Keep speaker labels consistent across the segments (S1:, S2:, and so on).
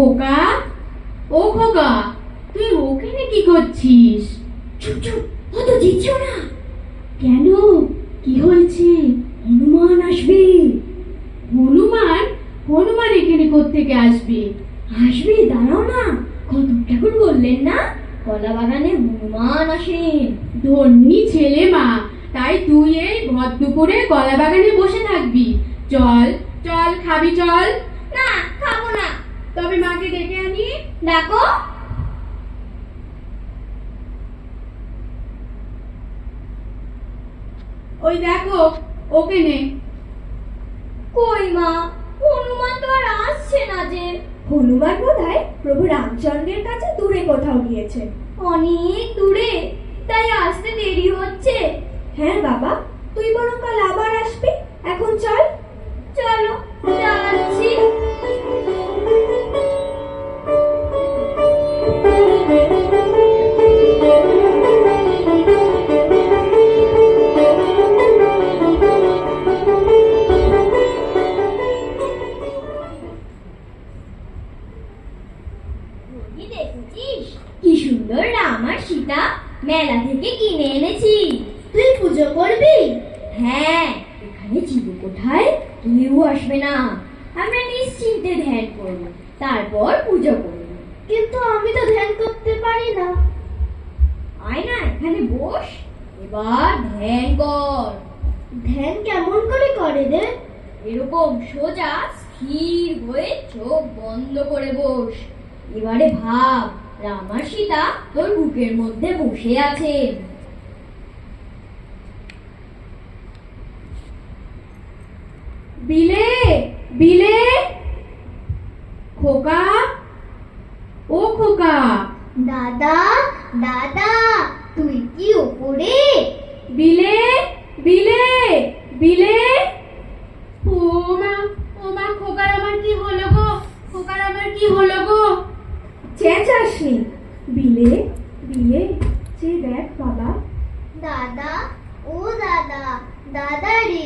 S1: খোকা, ও খোকা, তুই ওখানে কি করছিস?
S2: চুপ চুপ, অত জিতছো না।
S1: কেন, কি হয়েছে?
S2: হনুমান আসবে।
S1: হনুমান? হনুমান এখানে কোত্থেকে আসবে?
S2: আসবে, দাঁড়াও না। কত ঠাকুর বললেন না কলা বাগানে হনুমান আসেন।
S1: ধন্যি ছেলে মা, তাই তুই এই ভর দুপুরে কলা বাগানে বসে থাকবি? চল চল, খাবি চল।
S2: না, খাবো না।
S1: তবে মাকে ডেকে আনি।
S2: ডাকো।
S1: ওই দেখো ওখানে।
S2: কই মা, হনুমান তো আর আসছে না যে। হনুমান বোধহয় প্রভু রামচন্দ্রের কাছে দূরে কোথাও গিয়েছে। অনেক দূরে, তাই আসতে দেরি হচ্ছে। হ্যাঁ বাবা, তুই বরং কাল আবার আসবি। এখন চল। চলো, যাচ্ছি। দেখেছিস কি সুন্দর রাম আর সীতা মেলা থেকে কিনে এনেছি। তুই পুজো করবি? হ্যাঁ, এখানে চিরকোঠায় কেউ আসবে না। আমরা নিশ্চিন্তে ধ্যান করব, তারপর পুজো করব। কিন্তু আমি তো ধ্যান করতে পারি না। আয় না, এখানে বস, এবার ধ্যান কর। ধ্যান কেমন করে করে রে? এরকম সোজা স্থির হয়ে চোখ বন্ধ করে বস। এবারে ভাব, রাম আর সীতা তোর বুকের মধ্যে বসে আছেন।
S1: বিলে, বিলে, খোকা, ও খোকা।
S2: দাদা, দাদা, তুই কি উপরে?
S1: বিলে, বিলে, বিলে। ও মা, ও মা, খোকার আমার কি হলো গো? খোকার আমার কি হলো গো?
S2: চেঁচাসনি। বিলে, বিলে, যে দেখ বাবা। দাদা, ও দাদা, দাদা রে।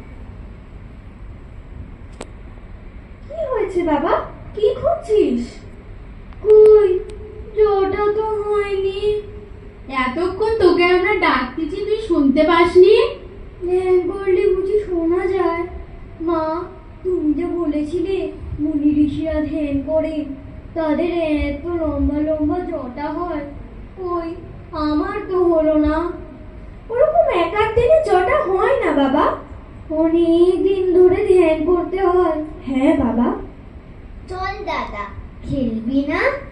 S2: কি হয়েছে বাবা, কি খুঁজছিস? কই, জোটা তো হয়নি।
S1: এতক্ষণ তোকে আমরা ডাকতেছি, তুই শুনতে পাসনি?
S2: ধ্যান করলে বুঝি শোনা যায়? মা, তুমি যে বলেছিলে মুনি ঋষিরা ধ্যান করে তাদের এত লম্বা লম্বা জটা হয়, কই আমার তো হলো না। ওরকম এক এক দিনে জটা হয় না বাবা, অনেক দিন ধরে ধ্যান করতে হয়। হ্যাঁ বাবা। চল দাদা, খেলবি না?